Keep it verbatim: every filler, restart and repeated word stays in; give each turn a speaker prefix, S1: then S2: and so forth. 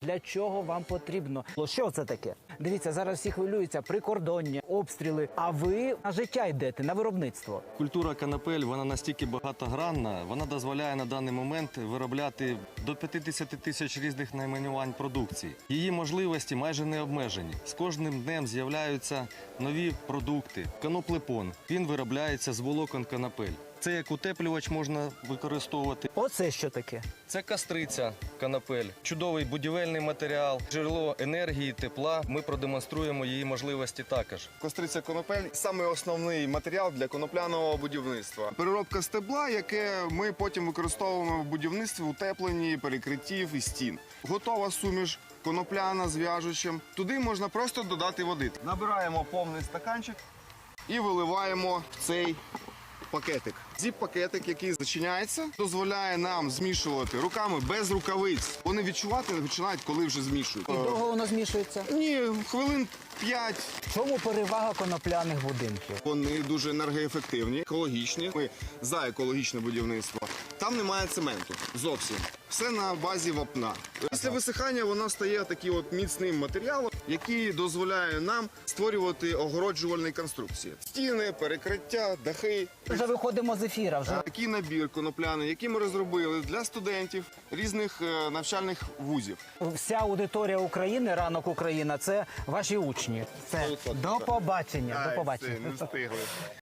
S1: Для чого вам потрібно? Що це таке? Дивіться, зараз всі хвилюються, прикордоння, обстріли. А ви на життя йдете, на виробництво.
S2: Культура канапель, вона настільки багатогранна, вона дозволяє на даний момент виробляти до п'ятдесят тисяч різних найменувань продукції. Її можливості майже не обмежені. З кожним днем з'являються нові продукти. Каноплепон, він виробляється з волокон канапель. Це як утеплювач можна використовувати.
S1: Оце що таке?
S2: Це кастриця канапель, чудовий будівельний матеріал, джерело енергії, тепла. Ми продемонструємо її можливості також.
S3: Костриця конопель – саме основний матеріал для конопляного будівництва. Переробка стебла, яке ми потім використовуємо в будівництві, утепленні, перекриттів і стін. Готова суміш конопляна з в'яжучим. Туди можна просто додати води. Набираємо повний стаканчик і виливаємо в цей пакетик. Зіп-пакетик, який зачиняється, дозволяє нам змішувати руками без рукавиць. Вони відчувати починають, коли вже змішують.
S1: І довго воно змішується?
S3: Ні, хвилин п'ять.
S1: В чому перевага конопляних будинків?
S3: Вони дуже енергоефективні, екологічні. Ми за екологічне будівництво. Там немає цементу зовсім. Все на базі вапна. Після висихання воно стає таким от міцним матеріалом, який дозволяє нам створювати огороджувальні конструкції. Стіни, перекриття, дахи.
S1: Вже виходимо з ефіра. Вже
S3: Такий набір конопляний, який ми розробили для студентів різних е, навчальних вузів.
S1: вся аудиторія України, ранок Україна, це ваші учні. Це до побачення. До побачення.
S3: Не встигли.